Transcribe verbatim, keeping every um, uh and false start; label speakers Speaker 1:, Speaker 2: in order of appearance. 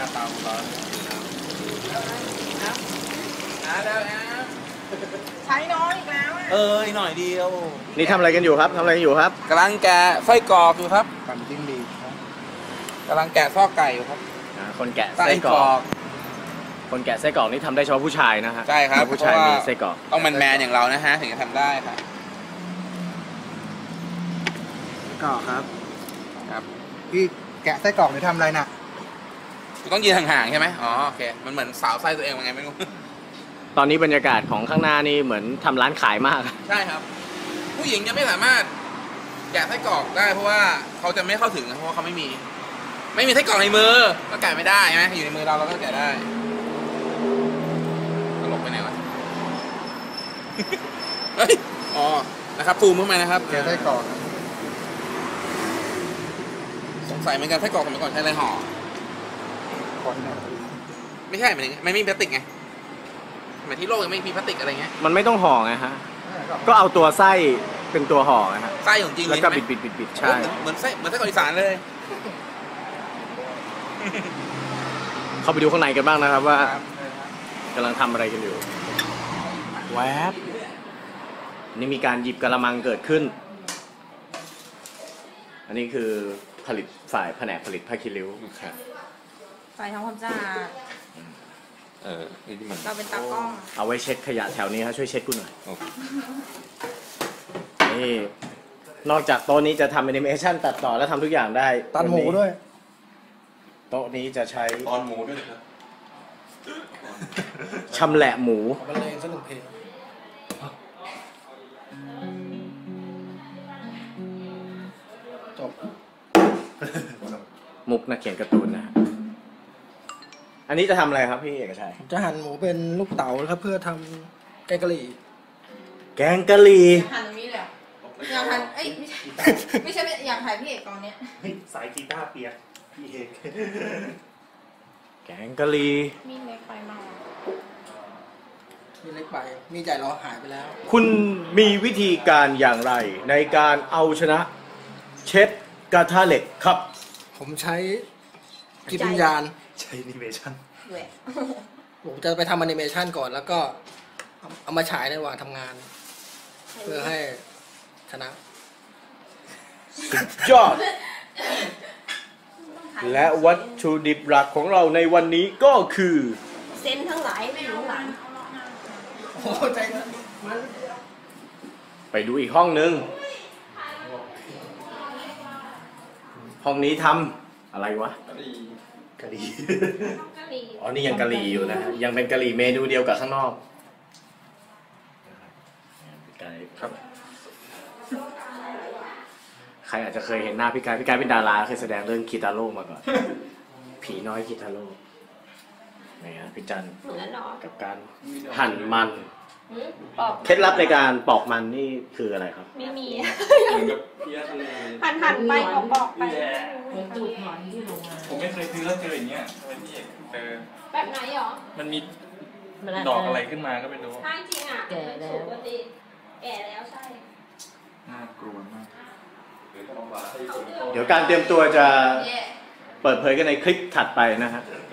Speaker 1: เตาร้อนนะแล้วนะ
Speaker 2: ใช้น้อยอีกแล้ว
Speaker 1: เออหน่อยเดียว
Speaker 3: นี่ทำอะไรกันอยู่ครับทำอะไรกันอยู่ครับ
Speaker 1: กำลังแกะไส้กรอกอยู่ครับ
Speaker 4: ปั่นจิ้งหรีดครับ
Speaker 1: กำลังแกะซอกไก่อยู่ครับ
Speaker 3: คนแกะไส้กรอกคนแกะไส้กรอกนี่ทำได้เฉพาะผู้ชายนะฮะ
Speaker 1: ใช่ครับ
Speaker 3: ผู้ชายมีไส้กรอก
Speaker 1: ต้องแมนๆอย่างเรานะฮะถึงจะทำได้ครับ
Speaker 4: ไส้กรอกครับ
Speaker 1: ครับ
Speaker 4: พี่แกะไส้กรอกหรือทำอะไรน่ะ
Speaker 1: ต้องยืนห่างๆใช่ไหมอ๋อโอเคมันเหมือนสาวไส้ตัวเองยังไงไม่รู้
Speaker 3: ตอนนี้บรรยากาศของข้างหน้านี่เหมือนทำร้านขายมาก
Speaker 1: ใช่ครับผู้หญิงจะไม่สามารถแกะไส้กรอกได้เพราะว่าเขาจะไม่เข้าถึงเพราะว่าเขาไม่มีไม่มีไส้กรอกในมือก็แกะไม่ได้ใช่ไหมอยู่ในมือเราเราก็แกะได้ตลกไปไหนวะเฮ้ยอ๋อนะครับซูมเข้ามานะครับ
Speaker 4: แกะไส้กรอก
Speaker 1: สงสัยเหมือนกันไส้กรอกสมัยก่อนใช้อะไรห่อ
Speaker 4: คน
Speaker 1: ไม่ใช่หมายถึงไม่มีพลาสติกไงหมายที่โลกยังไม่มีพลาสติกอะไรเงี้ย
Speaker 3: มันไม่ต้องห่อไงฮะก็เอาตัวไส้เป็นตัวห่อไงฮะ
Speaker 1: ไส้ของจริง
Speaker 3: แล้วก็บิดบิดบิดบิดใช่
Speaker 1: เหมือนไส้เหมือนไส้กรอกอีสานเลย
Speaker 3: เข้าไปดูข้างในกันบ้างนะครับว่ากำลังทำอะไรกันอยู่แวบนี่มีการหยิบกระมังเกิดขึ้นอันนี้คือผลิตฝ่ายแผนกผลิตผ้าคีริ้ว
Speaker 2: ฝ่ายทำความสะอาด
Speaker 1: เออนี่ที่มัน
Speaker 2: เราเป็นตากล้อง
Speaker 3: เอาไว้เช็ดขยะแถวนี้ครับช่วยเช็ดกูหน่อยนี่นอกจากโต๊ะนี้จะทำแอนิเมชันตัดต่อและทำทุกอย่างได้
Speaker 4: ตัดหมูด้วย
Speaker 3: โต๊ะนี้จะใช้
Speaker 1: ตอนหมูด้วยครับ
Speaker 3: ชำแหละหมู
Speaker 4: บรรเลงสักหนึ่งเพลงจบ
Speaker 3: มุกนักเขียนการ์ตูนนะอันนี้จะทำอะไรครับพี่เอกชัย
Speaker 4: จะหั่นหมูเป็นลูกเต๋าครับเพื่อทำแกงกะหรี่
Speaker 3: แกงกะหรี่
Speaker 2: หั่นตรงนี้เลยอยากหั่นเอ้ยไม่ใช่ไม่ใช่อยากถ่ายพี่เอกตอนเนี้ย
Speaker 5: สายกีตาร์เปียกพี่เอก
Speaker 3: แกงกะหรี่
Speaker 2: มีเล็กไปมาก
Speaker 4: มีเล็กไปมีใหญ่เราหายไปแล้ว
Speaker 3: คุณมีวิธีการอย่างไรในการเอาชนะเช็ดกระทะเหล็กครับ
Speaker 4: ผมใช้จิตวิญญาณ
Speaker 5: ใช้แอนิเมชัน
Speaker 4: ผมจะไปทำแอนิเมชันก่อนแล้วก็เอามาฉายในระหว่างทำงานเพื่อให้ชนะ
Speaker 3: สุดยอดและวัตถุดิบหลักของเราในวันนี้ก็คือ
Speaker 2: เซนทั้งหลายไม่รู้หลัง
Speaker 4: โอ้ใจมัน
Speaker 3: ไปดูอีกห้องนึงห้องนี้ทำอะไรวะ
Speaker 5: กะหรี่
Speaker 3: อ๋อนี่ยังกะหรี่อยู่นะยังเป็นกะหรี่เมนูเดียวกับข้างนอกครับใครอาจจะเคยเห็นหน้าพี่กายพี่กายเป็นดาราเคยแสดงเรื่องคิตาโร่มาก่อนผีน้อยคิตาโร่นี่ฮะพี่จันกับการหั่นมันเคล็ดลับในการปอกมันนี่คืออะไรครับ
Speaker 2: ไม่มีหั่นหั่นไปปอกไป
Speaker 5: ผมไม่เคยซื้อแล้วเจออย่างเงี้ยทำไมพี่เอกเจอ
Speaker 2: แบบไหนหรอ
Speaker 5: มันมีดอกอะไรขึ้นมาก็ไม่รู้
Speaker 2: ใช่จริงอ่ะแก่แล้วแก่แล้วใช่
Speaker 5: น่ากลัวมาก
Speaker 3: เดี๋ยวการเตรียมตัวจะเปิดเผยกันในคลิปถัดไปนะฮะ